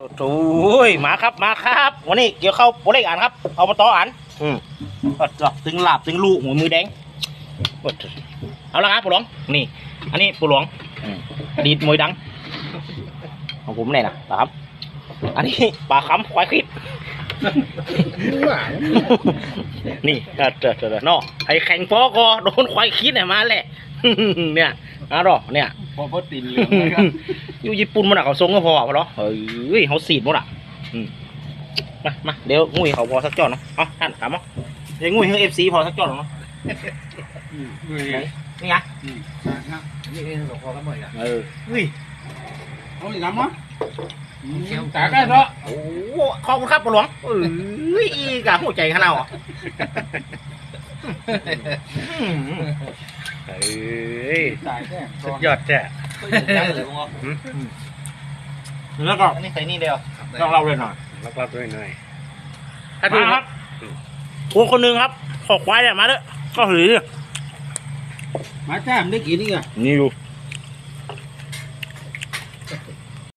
โอ้ยมาครับมาครับวันนี้เกี่ยวเข้าโปรเล็กอ่านครับเอามาต่ออ่านตึงหลาบตึงลูกหัวมือแดงเอาละครับปู่หลวงนี่อันนี้ปู่หลวงอดีตมวยดังของผมเนี่ยนะครับอันนี้ปลาคำควายคิดนี่เนาะไอ้แข่งฟอก็โดนควายคิดเนี่ยมาแหละเนี่ยนะรอเนี่ยพอตีนเหลืองนะครับอยู่ญี่ปุ่นมันเขาทรงก็พอเหรอเฮ้ยเขาสีดหมดอ่ะมาเดี๋ยวงุ้ยเขาพอสักจอดเนาะเอาท่านถามมั้งเดี๋ยวงุ้ยให้FCพอสักจอดเนาะนี่ไงนี่เองหลวงพ่อก็เหมือนกันอุ้ยเอาอีกน้ำมั้งตาได้เนาะโอ้ขอบคุณครับปู่หลวงอีกะหัวใจขนาดอ่ะสุดยอดแจ้แล้วก็นี่ใส่นี่เดียวต้องเล่าเลยหน่อยแล้วก็ด้วยหน่อยมาครับคนหนึ่งครับขอควายเนี่ยมาเด้อก็หือมาจ้ามได้กี่นี่อ่ะนี่อยู่